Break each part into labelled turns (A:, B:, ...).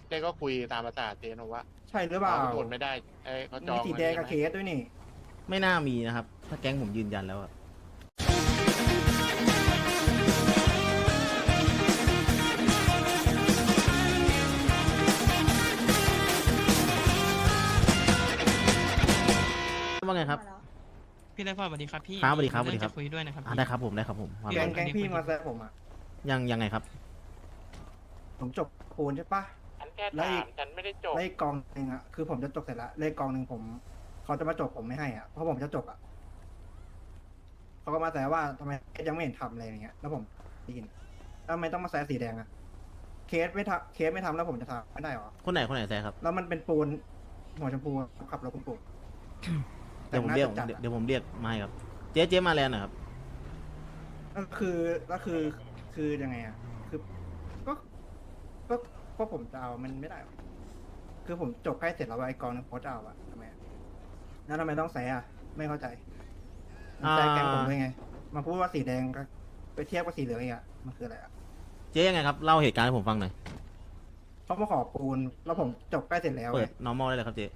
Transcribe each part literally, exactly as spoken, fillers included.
A: เจ๊ก็คุยตามภาษาเจ๊นะว่า
B: ใช่หรือเปล่า
A: เขาทนไม่ได้ไอ้เขาจอ
B: มี
A: ง
B: สีแดงกับเค
A: อันนี้
B: สด้วยนี่
C: ไม่น่ามีนะครับ ถ้าแก๊งผมยืนยันแล้วอะว่าไงครับ
D: พี่ไรฟอร์ดสวัสดีครับพี่
C: ครับสวัสดีครับ
D: มีเอง
C: สวัสดีครับ
D: จะคุยด้วยนะครับ
C: อ่า
D: พี่
C: ได้ครับผมได้ครับผมว่า
B: แก
C: ไป
B: งแกงพี่มาแซะผมอ่ะ
C: ยังยังไงครับ
B: ผมจบปูนใช่ปะ
A: ฉันแค่
B: แล้ว
A: ถา
B: อี
A: ม
B: ก
A: ฉันไม่ได้จบ
B: เลขกองหนึ่งอ่ะคือผมจะจบเสร็จละเลขกองหนึ่งผมเขาจะมาจบผมไม่ให้อ่ะเพราะผมจะจบอ่ะเขาก็มาแซะว่าทำไมยังไม่เห็นทำอะไรอย่างเงี้ยแล้วผมได้ยินแล้วทำไมต้องมาแซะสีแดงอ่ะเคสไม่ทำเคสไม่ทำแล้วผมจะทำไม่ได้หรอ
C: คนไหนคนไหนแซะครับ
B: แล้วมันเป็นปูนหัวชมพูขับรถคุณปู่
C: เดี๋ยวผมเรียก
B: แต่งหน้าจัดๆอะ
C: เดี๋ยวผมเรียกมาให้ครับ เจ๊เจ๊มาแล้วนะครับ
B: ก็คือก็คือคือยังไงอ่ะคือก็ก็ก็ผมจะเอามันไม่ได้หรอคือผมจบใกล้เสร็จแล้วไอ้กองนึงโพสจะเอาอะทำไมอะแล้วทำไมต้องแซะอะไม่เข้าใจมันแซะแกงผมด้วยไงมาพูดว่าสีแดงก็ไปเทียบกับสีเหลืองอีกอะมันคืออะไรอะ
C: เจ๊ยังไงครับ เล่าเหตุการณ์ให้ผมฟังหน่อย
B: เขามาขอปูนแล้วผมจบใกล้เสร็จแล้ว
C: เปิ
B: ไง
C: ด normal ได้เลยครับเจ๊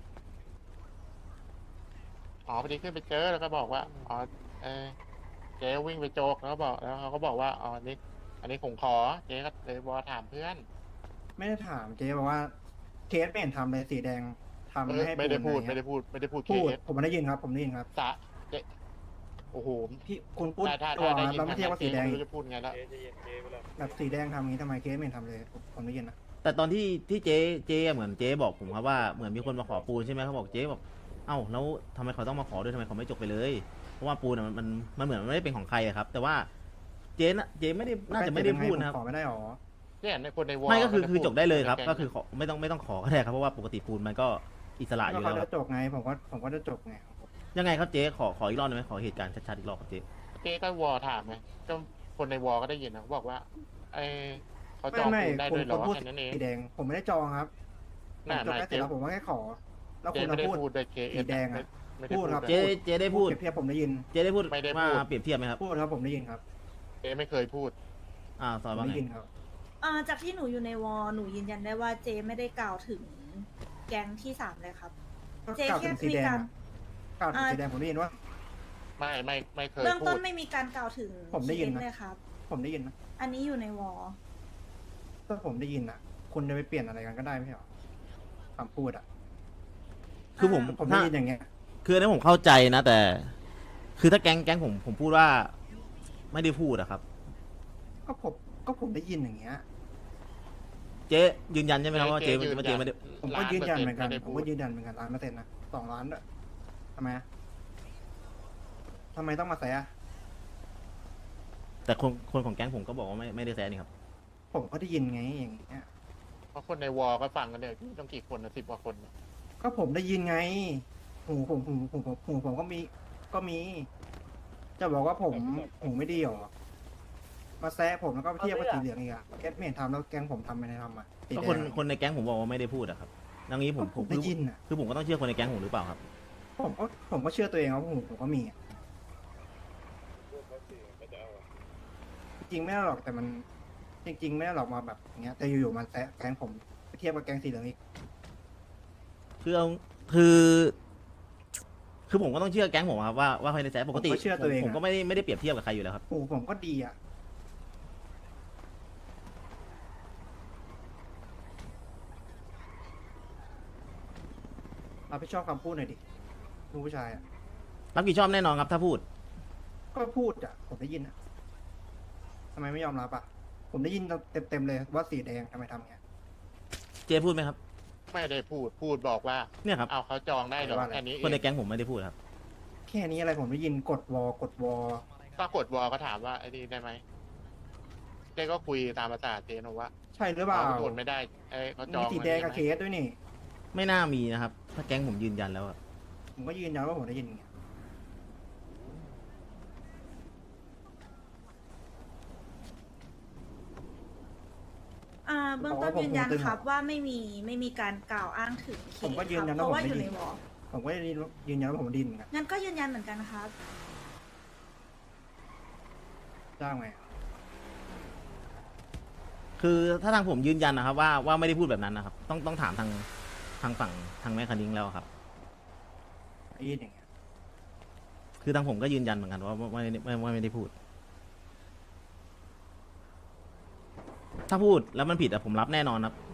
A: อ๋อพอดีขึ้นไปเจอแล้วก็บอกว่าอ๋อเออเจ๊วิ่งไปโจกแล้วก็บอกแล้วเขาก็บอกว่าอ๋ออันนี้ อันนี้ผมขอเจ๊ก็เลยบอกว่าถามเพื่อน
B: ไม่ได้ถามเจ๊บอกว่าเคสไม่เห็นทำเลยสีแดงทำ
A: เอ
B: ไม่
A: อ
B: ให้
A: ไม่ได้พูด
B: อะร
A: ไม่
B: เงี้ย
A: ได้พูดไม่ได้พูดเค
B: พูด
A: ส
B: ผมไม่ได้ยินครับ ผมได้ยินครับ
A: สะเจ๊โอ้โห
B: พี่คุณพูด
A: ถ้าถ้า
B: ตัว
A: ถ้าได้
B: นะ
A: ยิน
B: เราไม่เทียบว่าสีแดง
A: ไม่รู้จะพูดไงแล้ว
B: แบบสีแดงทำอย่างนี้ทำไมเคสไม่เห็นทำเลยผมผมได้ยินนะ
C: แต่ตอนที่ที่เจ๊เจ๊เหมือนเจ๊บอกผมครับว่าเหมือนมีคนมาขอปูนใช่ไหมเขาบอกเจ๊บอกเอ้าแล้วทำไมเขาต้องมาขอด้วยทำไมเขาไม่จบไปเลย เพราะว่าปูนอะมันมันมันเหมือนมันไม่ได้เป็นของใครอะครับ แต่ว่าเจ๊น่ะเจ๊ไม่ได้น่าจะไม่ได้พูดนะครับ
B: ขอไม่ได้หรอ
A: เนี่ยในคนในวอล
C: ไม่ก็คือ
A: ม่
C: คือ
A: พู
C: จบได้เลยครับ
A: แง
C: ก็คือขอไม่ต้องไม่ต้องขอก็ได้ครับเพราะว่าปกติปูนมันก็อิสระอ
B: ก็
C: ยู่
B: เขา
C: แล้วค
B: จะ
C: รับ
B: จบไงผมก็ผมก็จะจบไง
C: ยังไงครับเจ๊ขอขออีกรอบได้ไหมขอเหตุการณ์ชัดๆอีกรอบครับเจ๊
A: เจ๊ก็วอลถามไงก็คนในวอลก็ได้ยินนะเขาบอกว่าไอเขาจ
B: ไม่
A: อง
B: ไม่
A: ปูนได้
B: คุณ
A: ด้วยเหร
B: คุณ
A: อ
B: พูด
A: แค่นั้นเอง
B: สีแดง ผมไม่ได้จองครับผม
A: น่า
B: จบ
A: น่า
B: แค่เสร็
A: เจ๊
B: จแล้วผมก็แค่ขอ แล้ว
A: เจ๊
B: คุณ
A: ไม่
B: มา
A: ได้
B: พูด
A: พูดด้วยเค
B: สีแดงอะ
A: ไม่ได้
B: พูดครับ
A: ด้วย
C: เจ๊เจ๊ได้พูด
B: เปรียบเทียบผมได้ยิน
C: เจ๊ได้พูด
A: ไม่ได้พูด
C: ว่าเปรียบเทียบไหมครับ
B: พูดครับผมได้ยินครับ
A: เจ๊ไม่เคยพูด
C: อ่าส
B: ผ
C: อน
B: ม
C: ว่า
B: ได้
C: ไง
B: ยินครับ
E: อ่าจากที่หนูอยู่ในวอลหนูยืนยันได้ว่าเจไม่ได้กล่าวถึงแก๊งที่สามเลยครับ
B: ก็
E: เจ
B: กล่าว
E: แค่
B: ถึงสี
E: มี
B: แดง
E: การ
B: อะกล่าวถึงสีแดงผมได้ยินว่า
A: ไม่ไม่ไม่เคย
E: เบื้อง
A: พู
E: ต้
A: ด
E: นไม่มีการกล่าวถึง
B: ผมได้ยินนะ
E: เคสเลยครับ
B: ผมได้ยินนะ
E: อันนี้อยู่ในวอล
B: ถ้าผมได้ยินอ่ะ คุณจะไปเปลี่ยนอะไรกันก็ได้ไม่ใช่หรอคำพูดอ่ะ
C: คือผม
B: ผมได้
C: ถ้า
B: ยินอย่างเงี้ย
C: คืออันนี้ผมเข้าใจนะ แต่ คือถ้าแก๊งแก๊งผมผมพูดว่า ไม่ได้พูดอะครับ
B: ก็ผมก็ผมได้ยินอย่างเงี้ย
C: เจ๊ยืนยันใช่ไหมครับว่าเจ๊
A: ยืน
C: ว่าเจ๊ไม่ได้
B: ผมก็ยืนยันเหมือนกัน
A: ล้า
B: ผม
A: ป
B: ก็
A: ร์ซ็ต์ไได้พูด
B: ยืนยันเหมือนกันล้านเปอร์เซ็นต์นะสองล้านด้วยทำไมอะทำไมต้องมาแซะ
C: แต่คนคนของแก๊งผมก็บอกว่าไม่ไม่ได้แซะนี่ครับ
B: ผมก็ได้ยินไงอย่างเงี้ย
A: เพราะคนในวอลก็ฟังกันเนี่ยต้องกี่คนนะสิบกว่าคนนะ
B: ก็ผมได้ยินไง หูผมหูหูผมหูผมก็มี ก็มี จะบอกว่าผมหูไม่ดีหรอ มาแซะผมแล้วก็เทียบกับสีเหลืองอีกอะแกไม่เห็นทำแล้วแกงผมทำไม่ได้ทำอะสี
C: ก็
B: แด
C: คน
B: ง
C: คนในแก๊งผมบอกว่าไม่ได้พูดอะครับดังนี้ผม
B: ผม ได้ยินอะ
C: คือผมก็ต้องเชื่อคนในแก๊งผมหรือเปล่าครับ
B: ผมก็ผมก็เชื่อตัวเองว่าหูผมก็มีอะจริงไม่ได้หรอกแต่มัน จริง ๆ ไม่ได้หรอกมาแบบอย่างเงี้ยแต่อยู่ๆมาแซะแกงผมไปเทียบกับแกงสีเหลืองอีก
C: คือเอาคือ คือผมก็ต้องเชื่อแก๊งผมครับว่าว่าใครในแซะปกติ
B: ผมก็เชื่อตัวเอง
C: ผม
B: อะ
C: ก็ไม่ได้ไม่ได้เปรียบเทียบกับใครอยู่แล้วครับ
B: หูผมก็ดีอะรับผิดชอบคำพูดหน่อยดิลูกผู้ชายอะ
C: รับผิดชอบแน่นอนครับถ้าพูด
B: ก็พูดอะผมได้ยินอะทำไมไม่ยอมรับอะผมได้ยินเต็มๆเลยว่าสีแดงทำไมทำเงี้ย
C: เจ๊พูดไหมครับ
A: ไม่ได้พูดพูดบอกว่า
C: เนี่ยครับ
A: เอาเขาจองได้เหรอ
B: ว่าอะไร
A: แค่นี้เอ
C: คนใน
A: ง
C: แก๊งผมไม่ได้พูดครับ
B: แค่นี้อะไรผมได้ยินกดวอกดวอ
A: ก็กดวอลก็ถามว่าไอ้นี่ได้ไหมเจ๊ก็คุยตามภาษาเจ๊นะว่า
B: ใช่หรือเปล่า
A: เขาทนไม่ได้ไอ้เขาจอ
B: มี
A: ง
B: สีแดงกับ
A: อัน
B: เค
A: นี้ไหม
B: สด้วยนี่
C: ไม่น่ามีนะครับ ถ้าแก๊งผมยืนยันแล้วอะ
B: ผมก็ยืนยันว่าผมได้ยินอย่างเงี้ย
E: อ่าเบื้องต้นยืนยันครับว่าไม่มีไม่มีการกล่าวอ้างถึงเคส
B: ผมก็ยืนยัน
E: ครับเพ
B: ว่า
E: ราะ
B: ผม
E: ว่าอ
B: ได้
E: ยู่
B: ยิ
E: ใน
B: น
E: วอล
B: ผมก็ยืนยันว่าผมได้ยินเหมือนกัน
E: งั้นก็ยืนยันเหมือนกันครับ
B: จ้างไหม
C: คคือถ้าทางผมยืนยันนะครับว่าว่าไม่ได้พูดแบบนั้นนะครับ ต้องต้องถามทางทางฝั่งทางแม่คณิงแล้วครับ
B: ได้ยินอย่างเงี้ย
C: คือทางผมก็ยืนยันเหมือนกันว่าว่าไม่ไม่ไม่ไม่ได้พูด ถ้าพูดแล้วมันผิดอะผมรับแน่นอนครับ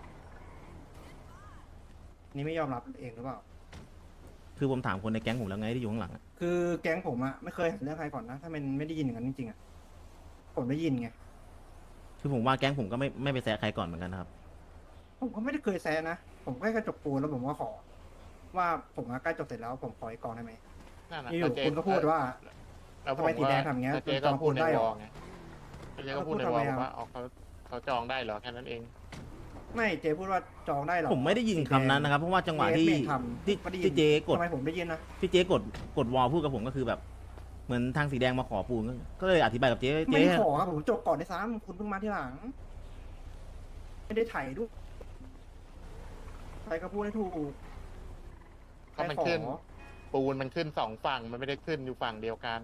B: นี่ไม่ยอมรับเองหรือเปล่า
C: คือผมถามคนในแก๊งผมแล้วไงที่อยู่ข้างหลังอะ
B: คือแก๊งผมอะไม่เคยหาเรื่องใครก่อนนะ ถ้ามันไม่ได้ยินอย่างนั้นจริงๆอะผมได้ยินไง
C: คือผมว่าแก๊งผมก็ไม่ไม่ไปแซะใครก่อนเหมือนกันนะครับ
B: ผมก็ไม่ได้เคยแซะนะ ผมแค่กระจกปูนแล้วผมก็ขอ ว่าผมอะใกล้จบเสร็จแล้วผมขออีกกองได้ไหม
A: นั่นน่ะ
B: อยู่
A: เจ๊
B: คุณก็พูดว่า
A: แล้วผ
B: ทำไมสีแดงทำอย่างเงี้ย
A: แล้วเจ๊
B: จ
A: ก็
B: อง
A: พูดใน
B: ได้
A: ว
B: เหร
A: อ
B: อ
A: ลไงเจ๊ก็พูดใน
B: แล้ว
A: ว
B: พู
A: อ
B: ด
A: ล
B: ทำไมอะ
A: ว่าอ๋อเขาเขาจองได้เหรอแค่นั้นเอง
B: ไม่เจ๊พูดว่าจองได้เหรอ
C: ผมไม่ได้ยินคำนั้นนะครับ เพราะว่าจังหวะ
B: เจ๊
C: ที่
B: ไม่ทำ
C: ที่
B: ไม่ได้ยิน
C: ที่เจ๊กด
B: ทำไมผมได้ยินนะ
C: ที่เจ๊กดกดวอลพูดกับผมก็คือแบบ เหมือนทางสีแดงมาขอปูนก็ก็เลยอธิบายกับเจ๊
B: ไม่
C: เจ๊
B: ได้ขอครับผมจบก่อนได้ซ้ำคุณเพิ่งมาที่หลัง ไม่ได้ไถ่ายด้วยใครก็พูดให้ถูก
A: ก็มัน
B: ใครขอ
A: ขึ้น ปูนมันขึ้นสองฝั่งมันไม่ได้ขึ้นอยู่ฝั่งเดียวกัน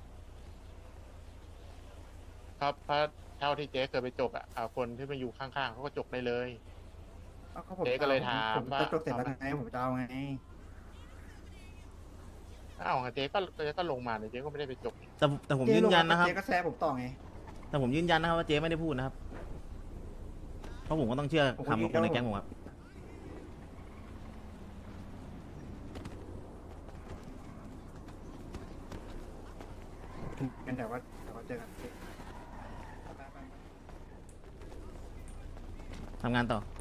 A: ครับเพราะเท่าที่เจ๊เคยไปจกอ่ะเอาคนที่มาอยู่ข้างๆเขาก็จกได้เลย
B: เอาก็ผม
A: เจ๊ก็เลยถาม
B: ผม
A: ว่า
B: จะจบเสร็จแล้วไงผมจะเอาไง
A: อ้าวเจ๊ก็เจ๊ก็ลงมาเนี่ยเจ๊ก็ไม่ได้ไปจกนี่
C: แต่แต่ผม
B: เจ๊
C: ยืน
B: ลง
C: ยัน
B: มา
C: นะครับ
B: เจ๊ก็แซะผมต่อไง
C: แต่ผมยืนยันนะครับว่าเจ๊ไม่ได้พูดนะครับ เพราะผมก็ต้องเชื่อ
B: ผมก็
C: คำของคนใน
B: ยืนยัน
C: แก๊งผมครับ
B: เป็นแต่ว่าแต่ว่าเจอกัน
C: ทำงานต่อ